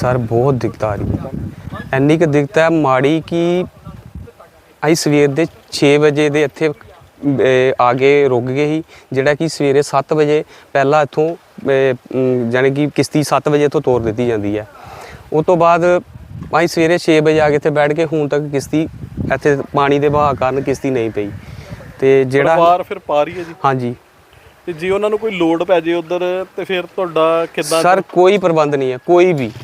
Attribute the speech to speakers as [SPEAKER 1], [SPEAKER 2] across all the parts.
[SPEAKER 1] Sir बहुत दिक्कत आ रही है, ਇੰਨੀ ਕੁ ਦਿੱਕਤ ਹੈ ਮਾੜੀ ਕਿ ਅਸੀਂ ਸਵੇਰ ਦੇ 6 ਵਜੇ ਦੇ ਇੱਥੇ ਆ ਕੇ ਰੁਕ ਗਏ ਸੀ, ਜਿਹੜਾ ਕਿ ਸਵੇਰੇ 7 ਵਜੇ ਪਹਿਲਾਂ ਇੱਥੋਂ ਜਾਣੀ ਕਿ ਕਿਸ਼ਤੀ 7 ਵਜੇ ਤੋਂ ਤੋਰ ਦਿੱਤੀ ਜਾਂਦੀ ਹੈ। ਉਸ ਤੋਂ ਬਾਅਦ ਅਸੀਂ ਸਵੇਰੇ 6 ਵਜੇ ਆ ਕੇ ਇੱਥੇ ਬੈਠ ਕੇ ਹੁਣ ਤੱਕ ਕਿਸ਼ਤੀ ਇੱਥੇ ਪਾਣੀ ਦੇ ਵਹਾਅ ਕਾਰਨ ਕਿਸ਼ਤੀ ਨਹੀਂ ਪਈ। ਤੇ ਜਿਹੜਾ
[SPEAKER 2] ਪਰਿਵਾਰ ਫਿਰ ਪਾ ਰਹੀ ਹੈ ਜੀ?
[SPEAKER 1] ਹਾਂਜੀ।
[SPEAKER 2] ਤੇ ਜੇ ਉਹਨਾਂ ਨੂੰ ਕੋਈ ਲੋੜ ਪੈ ਜੇ ਉਧਰ ਤੇ ਫਿਰ ਤੁਹਾਡਾ ਕਿੱਦਾਂ?
[SPEAKER 1] ਸਰ ਕੋਈ ਪ੍ਰਬੰਧ ਨਹੀਂ ਹੈ, ਕੋਈ ਵੀ।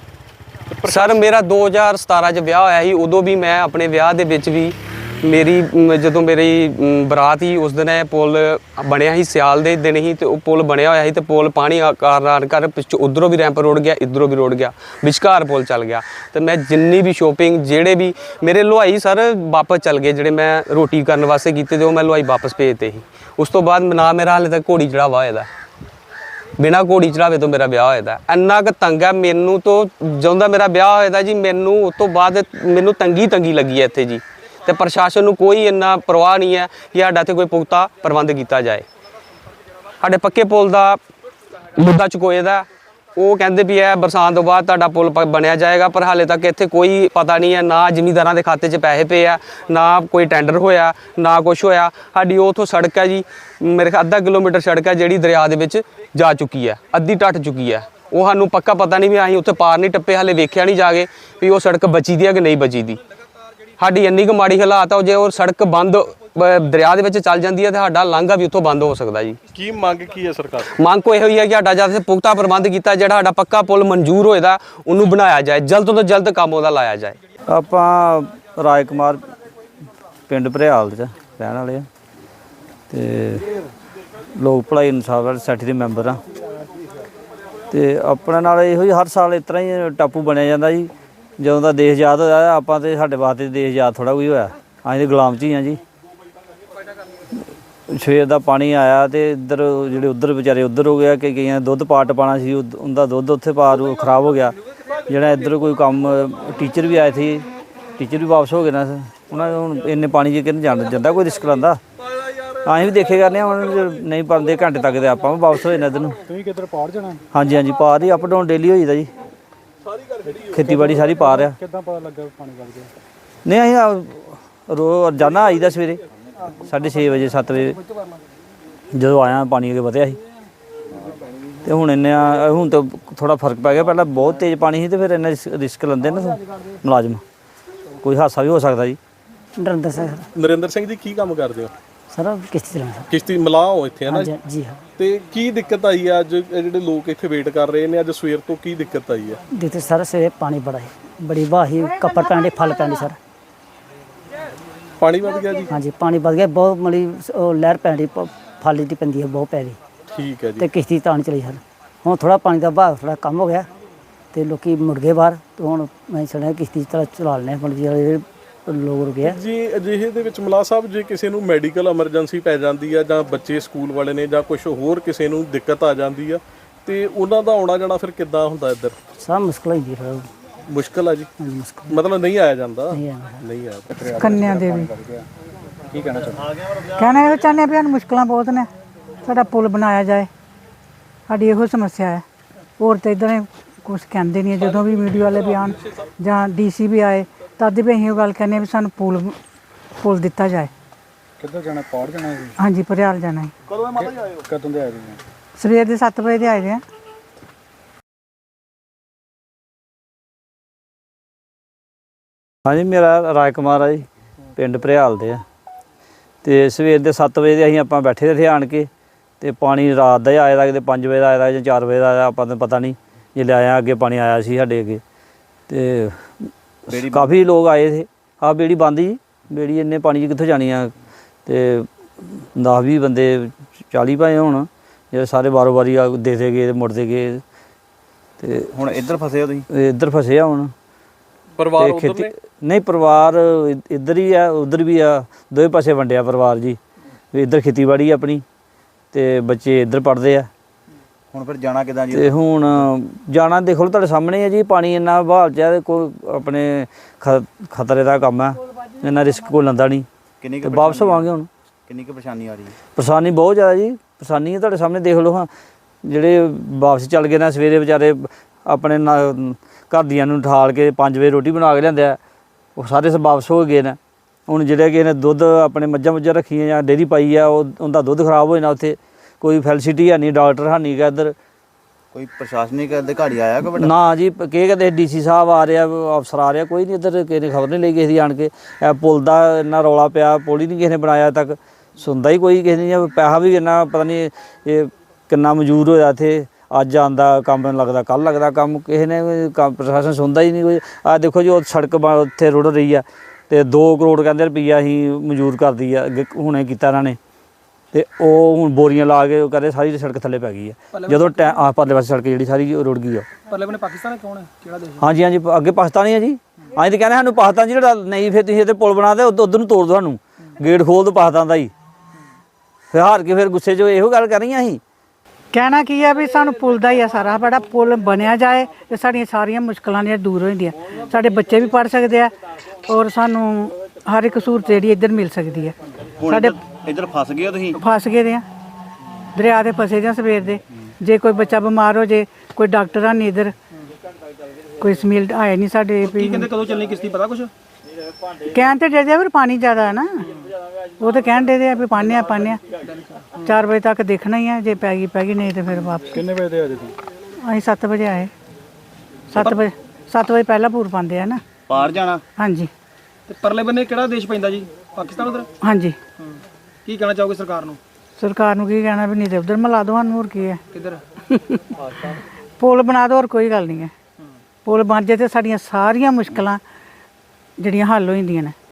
[SPEAKER 1] ਸਰ ਮੇਰਾ 2017 ਚ ਵਿਆਹ ਹੋਇਆ ਸੀ, ਉਦੋਂ ਵੀ ਮੈਂ ਆਪਣੇ ਵਿਆਹ ਦੇ ਵਿੱਚ ਵੀ ਮੇਰੀ ਜਦੋਂ ਮੇਰੀ ਬਰਾਤ ਸੀ ਉਸ ਦਿਨ ਇਹ ਪੁਲ ਬਣਿਆ ਸੀ, ਸਿਆਲ ਦੇ ਦਿਨ ਹੀ, ਤੇ ਉਹ ਪੁਲ ਬਣਿਆ ਹੋਇਆ ਸੀ ਤੇ ਪੁਲ ਪਾਣੀ ਕਾਰਨ ਕਰ ਪਿੱਛੋਂ ਉਧਰੋਂ ਵੀ ਰੈਂਪ ਰੋੜ ਗਿਆ, ਇੱਧਰੋਂ ਵੀ ਰੋੜ ਗਿਆ, ਵਿਚਕਾਰ ਪੁਲ ਚੱਲ ਗਿਆ। ਤੇ ਮੈਂ ਜਿੰਨੀ ਵੀ ਸ਼ੋਪਿੰਗ ਜਿਹੜੇ ਵੀ ਮੇਰੇ ਹਲਵਾਈ ਸਰ ਵਾਪਸ ਚੱਲ ਗਏ, ਜਿਹੜੇ ਮੈਂ ਰੋਟੀ ਕਰਨ ਵਾਸਤੇ ਕੀਤੇ ਤੇ ਉਹ ਮੈਂ ਹਲਵਾਈ ਵਾਪਸ ਭੇਜਤੇ ਸੀ। ਉਸ ਤੋਂ ਬਾਅਦ ਨਾ ਮੇਰਾ ਹਾਲੇ ਤੱਕ ਘੋੜੀ ਚੜਾਵਾ ਹੋਇਆ ਦਾ, ਬਿਨਾਂ ਘੋੜੀ ਚੜਾਵੇ ਤੋਂ ਮੇਰਾ ਵਿਆਹ ਹੋਇਆ ਦਾ। ਇੰਨਾ ਕੁ ਤੰਗ ਹੈ ਮੈਨੂੰ ਤੋਂ ਜਦੋਂ ਦਾ ਮੇਰਾ ਵਿਆਹ ਹੋਇਆ ਦਾ ਜੀ, ਮੈਨੂੰ ਉਸ ਤੋਂ ਬਾਅਦ ਮੈਨੂੰ ਤੰਗੀ ਲੱਗੀ ਹੈ ਇੱਥੇ ਜੀ। ਤੇ ਪ੍ਰਸ਼ਾਸਨ ਨੂੰ ਕੋਈ ਇੰਨਾ ਪਰਵਾਹ ਨਹੀਂ ਹੈ ਕਿ ਸਾਡਾ ਇੱਥੇ ਕੋਈ ਪੁਖਤਾ ਪ੍ਰਬੰਧ ਕੀਤਾ ਜਾਏ। ਸਾਡੇ ਪੱਕੇ ਪੁਲ ਦਾ ਮੁੱਦਾ ਚੁਕੋਏ ਦਾ, ਉਹ ਕਹਿੰਦੇ ਵੀ ਇਹ ਬਰਸਾਤ ਤੋਂ ਬਾਅਦ ਤੁਹਾਡਾ ਪੁਲ ਬਣਿਆ ਜਾਏਗਾ, ਪਰ ਹਾਲੇ ਤੱਕ ਇੱਥੇ ਕੋਈ ਪਤਾ ਨਹੀਂ ਹੈ, ਨਾ ਜ਼ਿਮੀਂਦਾਰਾਂ ਦੇ ਖਾਤੇ 'ਚ ਪੈਸੇ ਪਏ ਆ, ਨਾ ਕੋਈ ਟੈਂਡਰ ਹੋਇਆ, ਨਾ ਕੁਛ ਹੋਇਆ। ਸਾਡੀ ਉੱਥੋਂ ਸੜਕ ਹੈ ਜੀ, ਮੇਰੇ ਖਿਆਲ ਅੱਧਾ ਕਿਲੋਮੀਟਰ ਸੜਕ ਹੈ ਜਿਹੜੀ ਦਰਿਆ ਦੇ ਵਿੱਚ ਜਾ ਚੁੱਕੀ ਹੈ, ਅੱਧੀ ਟੱਟ ਚੁੱਕੀ ਹੈ। ਉਹ ਸਾਨੂੰ ਪੱਕਾ ਪਤਾ ਨਹੀਂ ਵੀ ਅਸੀਂ ਉੱਥੇ ਪਾਰ ਨਹੀਂ ਟੱਪੇ, ਹਾਲੇ ਵੇਖਿਆ ਨਹੀਂ ਜਾ ਕੇ ਵੀ ਉਹ ਸੜਕ ਬਚੀ ਦੀ ਹੈ ਕਿ ਨਹੀਂ ਬਚੀ ਦੀ। ਸਾਡੀ ਇੰਨੀ ਕੁ ਮਾੜੀ ਹਾਲਾਤ ਆ, ਜੇ ਉਹ ਸੜਕ ਬੰਦ ਦਰਿਆ ਦੇ ਵਿੱਚ ਚੱਲ ਜਾਂਦੀ ਹੈ ਤਾਂ ਸਾਡਾ ਲਾਂਘਾ ਵੀ ਉੱਥੋਂ ਬੰਦ ਹੋ ਸਕਦਾ ਜੀ।
[SPEAKER 2] ਕੀ ਮੰਗ ਕੀ ਹੈ ਸਰਕਾਰ?
[SPEAKER 1] ਮੰਗ ਕੋਈ ਇਹੋ ਹੀ ਹੈ ਕਿ ਸਾਡਾ ਜਦ ਪੁਖਤਾ ਪ੍ਰਬੰਧ ਕੀਤਾ, ਜਿਹੜਾ ਸਾਡਾ ਪੱਕਾ ਪੁਲ ਮਨਜ਼ੂਰ ਹੋਏਦਾ ਉਹਨੂੰ ਬਣਾਇਆ ਜਾਏ, ਜਲਦ ਤੋਂ ਜਲਦ ਕੰਮ ਉਹਦਾ ਲਾਇਆ ਜਾਏ।
[SPEAKER 3] ਆਪਾਂ ਰਾਜ ਕੁਮਾਰ ਪਿੰਡ ਭਰਿਆਲ ਦੇ ਰਹਿਣ ਵਾਲੇ ਆ ਤੇ ਲੋਕ ਭਲਾਈ ਇਨਸਾਫ ਵਾਲੀ ਸੋਸਾਇਟੀ ਦੇ ਮੈਂਬਰ ਆ। ਤੇ ਆਪਣੇ ਨਾਲ ਇਹੋ ਹੀ ਹਰ ਸਾਲ ਇਸ ਤਰ੍ਹਾਂ ਹੀ ਟਾਪੂ ਬਣਿਆ ਜਾਂਦਾ ਜੀ। ਜਦੋਂ ਦਾ ਦੇਸ਼ ਆਜ਼ਾਦ ਹੋਇਆ ਆਪਾਂ ਤੇ ਸਾਡੇ ਵਾਸਤੇ ਦੇਸ਼ ਆਜ਼ਾਦ ਥੋੜ੍ਹਾ ਕੋਈ ਹੋਇਆ, ਅਸੀਂ ਤਾਂ ਗੁਲਾਮ 'ਚ ਹੀ ਹਾਂ ਜੀ। ਸਵੇਰ ਦਾ ਪਾਣੀ ਆਇਆ ਤੇ ਇੱਧਰ ਜਿਹੜੇ ਉੱਧਰ ਵਿਚਾਰੇ ਉੱਧਰ ਹੋ ਗਿਆ, ਕਿ ਕਈਆਂ ਦੁੱਧ ਪਾਟ ਪਾਉਣਾ ਸੀ, ਉਹਦਾ ਦੁੱਧ ਉੱਥੇ ਪਾਰ ਖਰਾਬ ਹੋ ਗਿਆ। ਜਿਹੜਾ ਇੱਧਰ ਕੋਈ ਕੰਮ ਟੀਚਰ ਵੀ ਆਏ ਸੀ, ਟੀਚਰ ਵੀ ਵਾਪਸ ਹੋ ਗਏ ਨਾ, ਉਹਨਾਂ ਹੁਣ ਇੰਨੇ ਪਾਣੀ 'ਚ ਕਿਹਨੂੰ ਜਾਂਦਾ ਕੋਈ ਰਿਸਕ ਲੈਂਦਾ। ਅਸੀਂ ਵੀ ਦੇਖੇ ਕਰਨੇ ਹੁਣ ਨਹੀਂ ਪਾਉਂਦੇ ਘੰਟੇ ਤੱਕ ਤੇ ਆਪਾਂ ਵੀ ਵਾਪਸ ਹੋ ਜਾਣਾ ਇੱਧਰ ਨੂੰ।
[SPEAKER 4] ਤੁਸੀਂ ਕਿੱਧਰ ਪਾਰ ਜਾਣਾ?
[SPEAKER 3] ਹਾਂਜੀ ਹਾਂਜੀ ਪਾਰ ਹੀ, ਅਪ ਡਾਊਨ ਡੇਲੀ ਹੋ ਜਾਂਦਾ ਜੀ। ਖੇਤੀਬਾੜੀ ਸਾਰੀ ਪਾਰ ਆ।
[SPEAKER 4] ਕਿੱਦਾਂ ਪਤਾ ਲੱਗਾ ਪਾਣੀ ਵੱਧ ਗਿਆ?
[SPEAKER 3] ਨਹੀਂ ਅਸੀਂ ਰੋਜ਼ਾਨਾ ਆਈਦਾ ਸਵੇਰੇ 6:30 ਵਜੇ 7 ਵਜੇ ਜਦੋਂ ਆਇਆ ਪਾਣੀ ਅੱਗੇ ਵਧਿਆ ਸੀ। ਤੇ ਹੁਣ ਹੁਣ ਤਾਂ ਥੋੜਾ ਫਰਕ ਪੈ ਗਿਆ, ਪਹਿਲਾਂ ਬਹੁਤ ਤੇਜ਼ ਪਾਣੀ ਸੀ ਤੇ ਫਿਰ ਇੰਨਾ ਰਿਸਕ ਲੈਂਦੇ ਨਾ ਮੁਲਾਜ਼ਮ, ਕੋਈ ਹਾਦਸਾ ਵੀ ਹੋ ਸਕਦਾ ਜੀ।
[SPEAKER 2] ਨਰਿੰਦਰ ਸਿੰਘ ਜੀ ਕੀ ਕੰਮ ਕਰਦੇ ਹੋ?
[SPEAKER 5] ਸਰ ਕਿਸ਼ਤੀ ਚਲਾਉਂਦਾ।
[SPEAKER 2] ਕਿਸ਼ਤੀ ਮਲਾਹ ਹੋ ਇੱਥੇ ਹੈ ਨਾ
[SPEAKER 5] ਜੀ ਹਾਂ।
[SPEAKER 2] ਤੇ ਕੀ ਦਿੱਕਤ ਆਈ ਹੈ ਅੱਜ ਜਿਹੜੇ ਲੋਕ ਇੱਥੇ ਵੇਟ ਕਰ ਰਹੇ ਨੇ, ਅੱਜ ਸਵੇਰ ਤੋਂ ਕੀ ਦਿੱਕਤ ਆਈ ਹੈ?
[SPEAKER 5] ਦਿੱਕਤ ਸਰ ਸਵੇਰੇ ਪਾਣੀ ਬੜਾ ਹੈ, ਬੜੀ ਵਾਹੀ ਕੱਪੜ ਪੈਂਦੇ ਫਲ ਪੈਂਦੇ ਸਰ।
[SPEAKER 2] ਪਾਣੀ ਵੱਧ ਗਿਆ ਜੀ?
[SPEAKER 5] ਹਾਂਜੀ ਪਾਣੀ ਵੱਧ ਗਿਆ ਬਹੁਤ, ਮਲੀ ਉਹ ਲਹਿਰ ਪੈਂਦੀ ਫਲ ਦੀ ਪੈਂਦੀ ਹੈ ਬਹੁਤ ਪੈ ਰਹੀ।
[SPEAKER 2] ਠੀਕ ਹੈ ਜੀ।
[SPEAKER 5] ਤੇ ਕਿਸ਼ਤੀ ਤਾਂ ਨਹੀਂ ਚਲੀ ਸਰ। ਹੁਣ ਥੋੜਾ ਪਾਣੀ ਦਾ ਵਹਾਅ ਥੋੜਾ ਕੰਮ ਹੋ ਗਿਆ ਤੇ ਲੋਕੀ ਮੁੜ ਗਏ ਬਾਹਰ, ਤੇ ਹੁਣ ਮੈਂ ਸੁਣਿਆ ਕਿਸ਼ਤੀ ਚਲਾ ਲੈਣੇ ਜਿਹੜੇ ਲੋਕ ਰੁਕੇ ਆ
[SPEAKER 2] ਜੀ। ਅਜਿਹੇ ਦੇ ਵਿੱਚ ਮਲਾਹ ਸਾਹਿਬ ਜੇ ਕਿਸੇ ਨੂੰ ਮੈਡੀਕਲ ਐਮਰਜੈਂਸੀ ਪੈ ਜਾਂਦੀ ਆ, ਜਾਂ ਬੱਚੇ ਸਕੂਲ ਵਾਲੇ ਨੇ, ਜਾਂ ਕੁਝ ਹੋਰ ਕਿਸੇ ਨੂੰ ਦਿੱਕਤ ਆ ਜਾਂਦੀ ਆ, ਤੇ ਉਹਨਾਂ ਦਾ ਆਉਣਾ ਜਾਣਾ ਫਿਰ ਕਿੱਦਾਂ ਹੁੰਦਾ ਇੱਧਰ?
[SPEAKER 5] ਸਭ ਮੁਸ਼ਕਲ ਹੁੰਦੀ ਫਿਰ।
[SPEAKER 2] ਮੁਸ਼ਕਲ ਆ ਜੀ?
[SPEAKER 5] ਮੁਸ਼ਕਲ
[SPEAKER 2] ਮਤਲਬ ਨਹੀਂ ਆਇਆ ਜਾਂਦਾ?
[SPEAKER 5] ਨਹੀਂ
[SPEAKER 2] ਆਇਆ।
[SPEAKER 6] ਕੰਨਿਆ ਦੇਵੀ
[SPEAKER 2] ਕੀ ਕਹਿਣਾ ਚਾਹੁੰਦੇ?
[SPEAKER 6] ਕਹਿਣਾ ਇਹ ਚਾਹੁੰਦੇ ਵੀ ਮੁਸ਼ਕਲਾਂ ਬਹੁਤ ਨੇ, ਸਾਡਾ ਪੁਲ ਬਣਾਇਆ ਜਾਏ, ਸਾਡੀ ਇਹੋ ਸਮੱਸਿਆ ਹੈ। ਹੋਰ ਤਾਂ ਇੱਦਾਂ ਕੁਛ ਕਹਿੰਦੇ ਨਹੀਂ। ਜਦੋਂ ਵੀ ਮੀਡੀਆ ਵਾਲੇ ਵੀ ਆਉਣ ਜਾਂ DC ਵੀ ਆਏ ਤਦ ਵੀ ਅਸੀਂ ਉਹ ਗੱਲ ਕਹਿੰਦੇ ਵੀ ਸਾਨੂੰ ਪੁਲ ਦਿੱਤਾ ਜਾਏ।
[SPEAKER 4] ਕਿੱਧਰ ਜਾਣਾ? ਪਾਰ ਜਾਣਾ?
[SPEAKER 6] ਹਾਂਜੀ ਭਰਿਆਲ ਜਾਣਾ ਹੈ।
[SPEAKER 2] ਕਦੋਂ ਮਾਤਾ ਜੀ ਆਏ ਹੋ?
[SPEAKER 4] ਕਦੋਂ ਦੇ ਆਏ ਜੀ?
[SPEAKER 6] ਸਵੇਰ ਦੇ 7 ਵਜੇ ਦੇ ਆਏ ਦੇ ਆ।
[SPEAKER 3] ਹਾਂਜੀ ਮੇਰਾ ਰਾਜ ਕੁਮਾਰ ਆ ਜੀ, ਪਿੰਡ ਭਰਿਆਲ ਦੇ ਆ। ਤੇ ਸਵੇਰ ਦੇ 7 ਵਜੇ ਦੇ ਅਸੀਂ ਆਪਾਂ ਬੈਠੇ ਇੱਥੇ ਆਣ ਕੇ, ਤੇ ਪਾਣੀ ਰਾਤ ਦਾ ਹੀ ਆਇਆ ਦਾ, ਕਿਤੇ 5 ਵਜੇ ਦਾ ਆਇਆ ਜਾਂ 4 ਵਜੇ ਦਾ ਆਇਆ, ਆਪਾਂ ਨੂੰ ਪਤਾ ਨਹੀਂ। ਜੇ ਆਇਆ ਅੱਗੇ ਪਾਣੀ ਆਇਆ ਸੀ ਸਾਡੇ ਅੱਗੇ, ਤੇ ਕਾਫੀ ਲੋਕ ਆਏ ਥੇ। ਆਹ ਬੇੜੀ ਬੰਦ ਜੀ, ਬੇੜੀ ਇੰਨੇ ਪਾਣੀ 'ਚ ਕਿੱਥੋਂ ਜਾਣੀ ਆ? ਤੇ 10-20 ਬੰਦੇ 40 ਭਾਵੇਂ ਹੋਣ, ਜਿਹੜੇ ਸਾਰੇ ਵਾਰੋ ਵਾਰੀ ਦੇ ਗਏ ਤੇ ਮੁੜਦੇ ਗਏ। ਤੇ
[SPEAKER 4] ਹੁਣ ਇੱਧਰ ਫਸੇ ਹੋ ਤੁਸੀਂ?
[SPEAKER 3] ਇੱਧਰ ਫਸੇ ਆ ਹੁਣ।
[SPEAKER 2] ਪਰਿਵਾਰ ਉੱਧਰ ਨੇ?
[SPEAKER 3] ਨਹੀਂ ਪਰਿਵਾਰ ਇੱਧਰ ਹੀ ਆ, ਉੱਧਰ ਵੀ ਆ, ਦੋਵੇਂ ਪਾਸੇ ਵੰਡਿਆ ਪਰਿਵਾਰ ਜੀ। ਇੱਧਰ ਖੇਤੀਬਾੜੀ ਆਪਣੀ ਤੇ ਬੱਚੇ ਇੱਧਰ ਪੜ੍ਹਦੇ ਆ।
[SPEAKER 4] ਹੁਣ ਫਿਰ ਜਾਣਾ ਕਿੱਦਾਂ ਜੀ?
[SPEAKER 3] ਤੇ ਹੁਣ ਜਾਣਾ ਦੇਖੋ ਤੁਹਾਡੇ ਸਾਹਮਣੇ ਹੈ ਜੀ, ਪਾਣੀ ਇੰਨਾ ਬਹਾਲ 'ਚ ਹੈ, ਕੋਈ ਆਪਣੇ ਖਤਰੇ ਦਾ ਕੰਮ ਹੈ, ਇੰਨਾ ਰਿਸਕ ਕੋਈ ਲੈਂਦਾ ਨਹੀਂ।
[SPEAKER 4] ਕਿੰਨੀ
[SPEAKER 3] ਕੁ ਵਾਪਸ ਆਵਾਂਗੇ ਹੁਣ।
[SPEAKER 4] ਕਿੰਨੀ ਕੁ ਪਰੇਸ਼ਾਨੀ ਆ ਰਹੀ ਹੈ?
[SPEAKER 3] ਪਰੇਸ਼ਾਨੀ ਬਹੁਤ ਜ਼ਿਆਦਾ ਜੀ, ਪਰੇਸ਼ਾਨੀ ਹੈ ਤੁਹਾਡੇ ਸਾਹਮਣੇ ਦੇਖ ਲਓ। ਹਾਂ ਜਿਹੜੇ ਵਾਪਸ ਚੱਲ ਗਏ ਨਾ ਸਵੇਰੇ ਵਿਚਾਰੇ ਆਪਣੇ ਘਰ ਦੀਆਂ ਨੂੰ ਠਾਲ ਕੇ 5 ਵਜੇ ਰੋਟੀ ਬਣਾ ਕੇ ਲਿਆਂਦੇ ਆ, ਉਹ ਸਾਰੇ ਵਾਪਸ ਹੋ ਗਏ ਨੇ। ਹੁਣ ਜਿਹੜੇ ਕਿ ਨੇ ਦੁੱਧ ਆਪਣੇ ਮੱਝਾਂ ਰੱਖੀਆਂ ਜਾਂ ਡੇਅਰੀ ਪਾਈ ਆ, ਉਹਦਾ ਦੁੱਧ ਖਰਾਬ ਹੋ ਜਾਣਾ। ਉੱਥੇ ਕੋਈ ਫੈਸਿਲਿਟੀ ਹੈ ਨਹੀਂ, ਡਾਕਟਰ ਹੈ ਨਹੀਂ ਗਾ ਇੱਧਰ।
[SPEAKER 4] ਕੋਈ ਪ੍ਰਸ਼ਾਸਨਿਕ ਅਧਿਕਾਰੀ ਆਇਆ ਕੋਈ ਵੱਡਾ?
[SPEAKER 3] ਨਾ ਜੀ, ਕੀ ਕਹਿੰਦੇ DC ਸਾਹਿਬ ਆ ਰਿਹਾ, ਅਫਸਰ ਆ ਰਿਹਾ, ਕੋਈ ਨਹੀਂ ਇੱਧਰ। ਕਿਸੇ ਨੇ ਖਬਰ ਨਹੀਂ ਲਈ ਕਿਸੇ ਦੀ ਆਣ ਕੇ। ਇਹ ਪੁਲ ਦਾ ਇੰਨਾ ਰੌਲਾ ਪਿਆ, ਪੁਲ ਹੀ ਨਹੀਂ ਕਿਸੇ ਨੇ ਬਣਾਇਆ ਅਜੇ ਤੱਕ, ਸੁਣਦਾ ਹੀ ਕੋਈ ਕਿਸੇ ਨੇ। ਪੈਸਾ ਵੀ ਇੰਨਾ ਪਤਾ ਨਹੀਂ ਇਹ ਕਿੰਨਾ ਮਨਜ਼ੂਰ ਹੋਇਆ ਇੱਥੇ, ਅੱਜ ਆਉਂਦਾ ਕੰਮ ਲੱਗਦਾ, ਕੱਲ੍ਹ ਲੱਗਦਾ ਕੰਮ, ਕਿਸੇ ਨੇ ਪ੍ਰਸ਼ਾਸਨ ਸੁਣਦਾ ਹੀ ਨਹੀਂ ਕੋਈ। ਆਹ ਦੇਖੋ ਜੀ, ਉਹ ਸੜਕ ਉੱਥੇ ਰੁੜ ਰਹੀ ਆ ਤੇ 2 ਕਰੋੜ ਕਹਿੰਦੇ ਰੁਪਈਆ ਅਸੀਂ ਮਨਜ਼ੂਰ ਕਰਦੀ ਆ, ਹੁਣੇ ਕੀਤਾ ਇਹਨਾਂ ਨੇ। ਤੇ ਉਹ ਹੁਣ ਬੋਰੀਆਂ ਲਾ ਕੇ ਉਹ ਕਹਿੰਦੇ ਸਾਰੀ ਸੜਕ ਥੱਲੇ ਪੈ ਗਈ ਆ। ਜਦੋਂ ਪਰਲੇ ਪਾਸੇ ਸੜਕ ਜਿਹੜੀ ਸਾਰੀ ਰੁੜ ਗਈ ਆ।
[SPEAKER 7] ਪਰਲੇ ਬੰਨੇ ਪਾਕਿਸਤਾਨ ਕੌਣ ਹੈ, ਕਿਹੜਾ ਦੇਸ਼?
[SPEAKER 3] ਹਾਂਜੀ ਹਾਂਜੀ, ਅੱਗੇ ਪਾਕਿਸਤਾਨ ਹੀ ਆ ਜੀ। ਅਸੀਂ ਤਾਂ ਕਹਿੰਦੇ ਸਾਨੂੰ ਪਾਕਿਸਤਾਨ ਜਿਹੜਾ ਨਹੀਂ, ਫਿਰ ਤੁਸੀਂ ਇੱਥੇ ਪੁਲ ਬਣਾ ਦੇ, ਉੱਧਰ ਨੂੰ ਤੋੜ ਦਿਓ, ਸਾਨੂੰ ਗੇਟ ਖੋਲ ਦਿਓ ਪਾਕਿਸਤਾਨ ਦਾ ਹੀ। ਫਿਰ ਹਾਰ ਕੇ ਫਿਰ ਗੁੱਸੇ 'ਚ ਇਹੋ ਗੱਲ ਕਰ ਰਹੀਆਂ ਅਸੀਂ।
[SPEAKER 6] ਕਹਿਣਾ ਕੀ ਹੈ ਵੀ ਸਾਨੂੰ ਪੁੱਲ ਦਾ ਹੀ ਆ ਸਾਰਾ, ਬੜਾ ਪੁੱਲ ਬਣਿਆ ਜਾਏ ਤੇ ਸਾਡੀਆਂ ਸਾਰੀਆਂ ਮੁਸ਼ਕਲਾਂ ਜਿਹੜੀਆਂ ਦੂਰ ਹੋ ਜਾਂਦੀਆਂ। ਸਾਡੇ ਬੱਚੇ ਵੀ ਪੜ੍ਹ ਸਕਦੇ ਆ ਔਰ ਸਾਨੂੰ ਹਰ ਇੱਕ ਸਹੂਲਤ ਜਿਹੜੀ ਇੱਧਰ ਮਿਲ ਸਕਦੀ ਹੈ। ਸਾਡੇ
[SPEAKER 4] ਇੱਧਰ ਫਸ ਗਏ ਹੋ ਤੁਸੀਂ?
[SPEAKER 6] ਫਸ ਗਏ ਦੇ ਆ, ਦਰਿਆ ਦੇ ਫਸੇ ਦੇ ਆ ਸਵੇਰ ਦੇ। ਜੇ ਕੋਈ ਬੱਚਾ ਬਿਮਾਰ ਹੋ ਜੇ, ਕੋਈ ਡਾਕਟਰ ਆ ਨਹੀਂ ਇੱਧਰ, ਕੋਈ ਸਮੀਲ ਆਇਆ ਨਹੀਂ ਸਾਡੇ ਵੀ।
[SPEAKER 7] ਕਹਿੰਦੇ ਕਦੋਂ ਚੱਲਣੀ ਕਿਸ਼ਤੀ, ਪਤਾ ਕੁਛ?
[SPEAKER 6] ਕਹਿਣ ਤੇ ਦੇ ਪਰ ਪਾਣੀ ਜ਼ਿਆਦਾ ਹੈ ਨਾ, ਉਹ ਤਾਂ ਕਹਿਣ ਦੇ ਆ ਵੀ ਪਾਣੇ ਆ 4 ਵਜੇ ਤੱਕ ਦੇਖਣਾ ਹੀ ਆ, ਜੇ ਪੈ ਗਈ ਨਹੀਂ ਤੇ ਫਿਰ ਵਾਪਸ।
[SPEAKER 2] ਕਿੰਨੇ ਵਜੇ ਦੇ ਆਏ ਤੁਸੀਂ?
[SPEAKER 6] ਅਸੀਂ 7 ਵਜੇ ਆਏ। 7 ਵਜੇ ਪਹਿਲਾਂ ਪੂਰ ਪਾਉਂਦੇ ਆ ਨਾ।
[SPEAKER 4] ਪਾਰ ਜਾਣਾ?
[SPEAKER 6] ਹਾਂਜੀ
[SPEAKER 7] ਤੇ ਪਰਲੇ ਬੰਨੇ ਕਿਹੜਾ ਦੇਸ਼ ਪੈਂਦਾ ਜੀ, ਪਾਕਿਸਤਾਨ ਉਧਰ?
[SPEAKER 6] ਹਾਂਜੀ।
[SPEAKER 7] ਕੀ ਕਹਿਣਾ ਚਾਹੋਗੇ ਸਰਕਾਰ ਨੂੰ?
[SPEAKER 6] ਸਰਕਾਰ ਨੂੰ ਕੀ ਕਹਿਣਾ ਵੀ ਨਹੀਂ ਤੇ ਉਧਰ ਮਿਲਾ ਦੋ ਸਾਨੂੰ, ਹੋਰ ਕੀ ਹੈ।
[SPEAKER 7] ਕਿੱਧਰ?
[SPEAKER 6] ਪੁਲ ਬਣਾ ਦੋ, ਹੋਰ ਕੋਈ ਗੱਲ ਨਹੀਂ ਹੈ। ਪੁਲ ਬਣ ਜੇ ਤੇ ਸਾਡੀਆਂ ਸਾਰੀਆਂ ਮੁਸ਼ਕਲਾਂ ਜਿਹੜੀਆਂ ਹੱਲ ਹੋ ਜਾਂਦੀਆਂ ਨੇ।